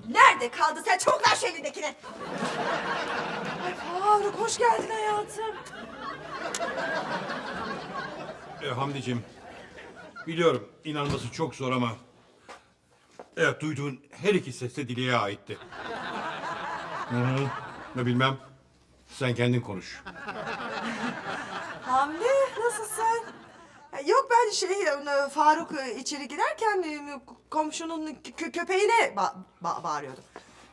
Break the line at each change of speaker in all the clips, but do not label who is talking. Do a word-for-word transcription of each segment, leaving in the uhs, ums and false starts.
Nerede kaldı sen? Çabuk ver şu elindekini.
Ay Faruk hoş geldin hayatım.
E, Hamdiciğim, biliyorum inanması çok zor ama... Evet, duyduğun her iki ses de Dile'ye aitti. Hı hı. Ne bilmem, sen kendin konuş.
Hamdi nasılsın? Yok ben şey Faruk içeri girerken komşunun kö köpeğine ba ba bağırıyordum.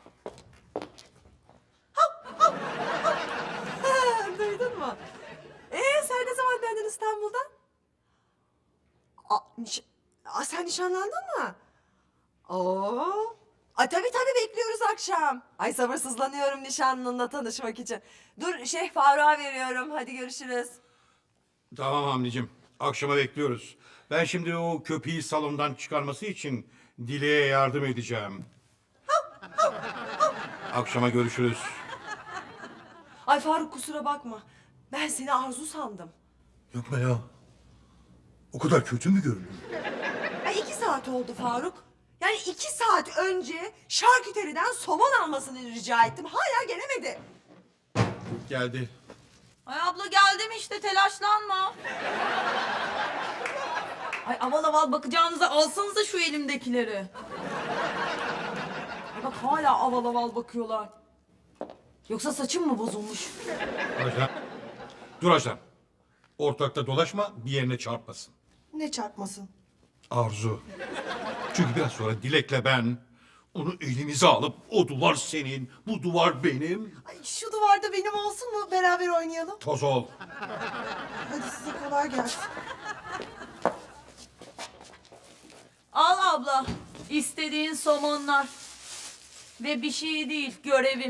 Hav, hav, hav. Duydun mu? Ee sen ne zaman döndün İstanbul'dan? Aa, niş Aa, sen nişanlandın mı? Oo. Ay tabii tabii bekliyoruz akşam. Ay sabırsızlanıyorum nişanlınla tanışmak için. Dur şey Faruk'a veriyorum. Hadi görüşürüz.
Tamam Hamdiciğim, akşama bekliyoruz. Ben şimdi o köpeği salondan çıkarması için Dile'ye yardım edeceğim. Akşama görüşürüz.
Ay Faruk kusura bakma. Ben seni Arzu sandım.
Yapma ya. O kadar kötü mü görünüyor?
Ay iki saat oldu Faruk. Yani iki saat önce şarküteriden somon almasını rica ettim. Hala gelemedi.
Geldi.
Ay abla geldim işte telaşlanma. Ay aval aval bakacağınıza alsanıza şu elimdekileri. Ay bak hala aval aval bakıyorlar. Yoksa saçım mı bozulmuş?
Ajda. Dur Ajda. Ortalıkta dolaşma, bir yerine çarpmasın.
Ne çarpmasın?
Arzu. Çünkü biraz sonra Dilek'le ben onu elimize alıp o duvar senin, bu duvar benim.
Ay şu duvarda benim olsun mu? Beraber oynayalım.
Toz ol.
Hadi size kolay gelsin.
Al abla istediğin somonlar. Ve bir şey değil görevim.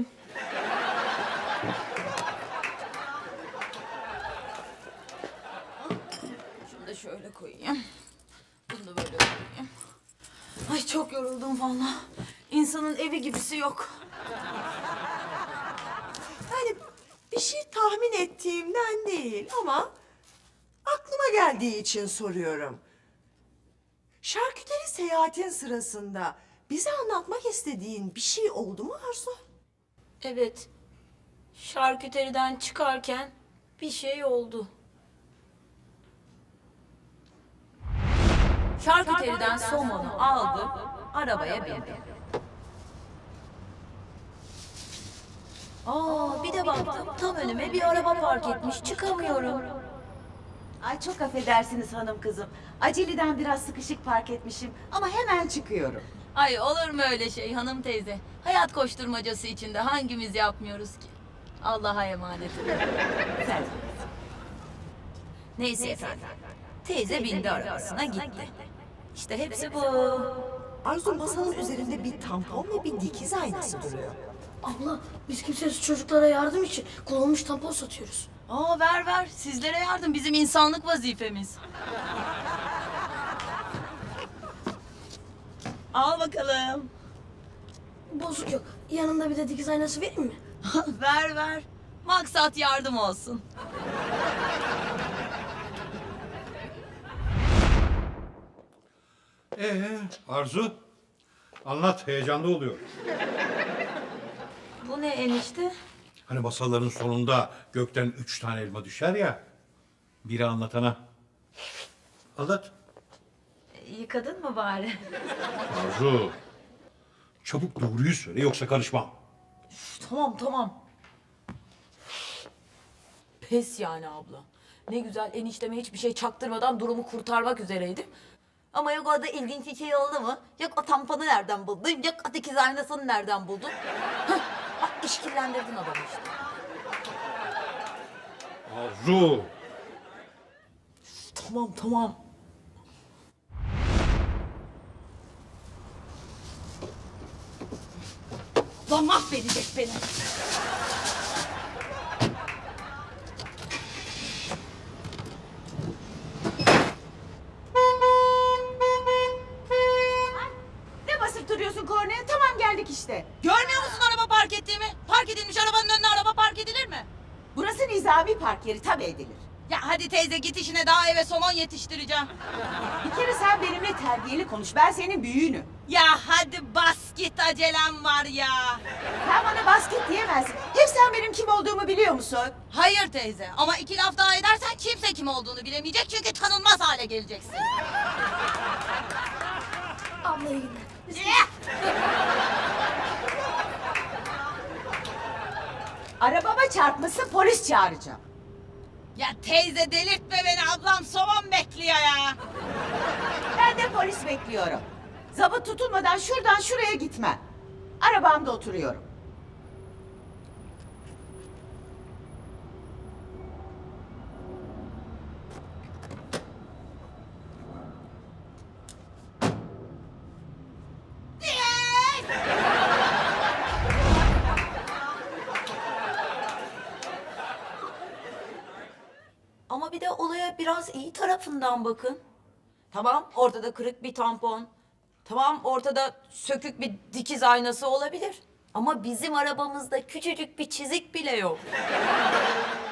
Şunu da şöyle koyayım. Bunu da böyle koyayım. Ay çok yoruldum vallahi. İnsanın evi gibisi yok.
Yani bir şey tahmin ettiğimden değil ama aklıma geldiği için soruyorum. Şarküteri seyahatin sırasında bize anlatmak istediğin bir şey oldu mu Arzu?
Evet. Şarküteriden çıkarken bir şey oldu. Şarküteriden somonu aldı, arabaya bindi. Aa, bir de baktım tam önüme bir araba park etmiş, çıkamıyorum.
Ay çok affedersiniz hanım kızım. Aceleden biraz sıkışık park etmişim ama hemen çıkıyorum.
Ay olur mu öyle şey hanım teyze? Hayat koşturmacası içinde hangimiz yapmıyoruz ki? Allah'a emanet olun.
Sen.
Neyse efendim. Teyze bindi arabasına gitti. İşte hepsi bu.
Arzu masanın üzerinde bir tampon ve bir dikiz aynası duruyor.
Abla biz kimsesiz çocuklara yardım için kullanılmış tampon satıyoruz.
Aa ver ver. Sizlere yardım bizim insanlık vazifemiz. Al bakalım.
Bozuk yok. Yanında bir de dikiz aynası vereyim mi?
ver ver. Maksat yardım olsun.
Ee, Arzu, anlat, heyecanlı oluyor.
Bu ne enişte?
Hani masalların sonunda gökten üç tane elma düşer ya. Biri anlatana. Anlat.
Yıkadın mı bari?
Arzu, çabuk doğruyu söyle yoksa karışmam.
Tamam tamam. Pes yani abla. Ne güzel enişteme hiçbir şey çaktırmadan durumu kurtarmak üzereydim. Ama yok orada ilginç bir şey oldu mu? Yok o tamponu nereden buldun? Yok o dikiz aynasını nereden buldun? Hah, bak işkillendirdin adamı işte.
Arzu.
Tamam tamam. Lan mahvedecek beni.
Ne basıp duruyorsun kornaya? Tamam geldik işte.
Görmüyor musun araba park ettiğimi? Park edilmiş arabanın önüne araba park edilir mi?
Burası nizami park yeri tabii edilir.
Ya hadi teyze git işine daha eve somon yetiştireceğim.
Bir kere sen benimle terbiyeli konuş. Ben senin büyüğünüm.
Ya hadi bas git
acelem var ya.
Sen bana basket diyemezsin. Hep sen benim kim olduğumu biliyor musun?
Hayır teyze ama iki laf daha edersen kimse kim olduğunu bilemeyecek çünkü tanınmaz hale geleceksin.
Abla iyi günler.
Arabama çarpmışsın, polis çağıracağım.
Ya teyze delirtme beni, ablam soğan bekliyor ya.
Ben de polis bekliyorum. Zabıt tutulmadan şuradan şuraya gitmem. Arabamda oturuyorum.
Ama bir de olaya biraz iyi tarafından bakın. Tamam, ortada kırık bir tampon. Tamam, ortada sökük bir dikiz aynası olabilir. Ama bizim arabamızda küçücük bir çizik bile yok.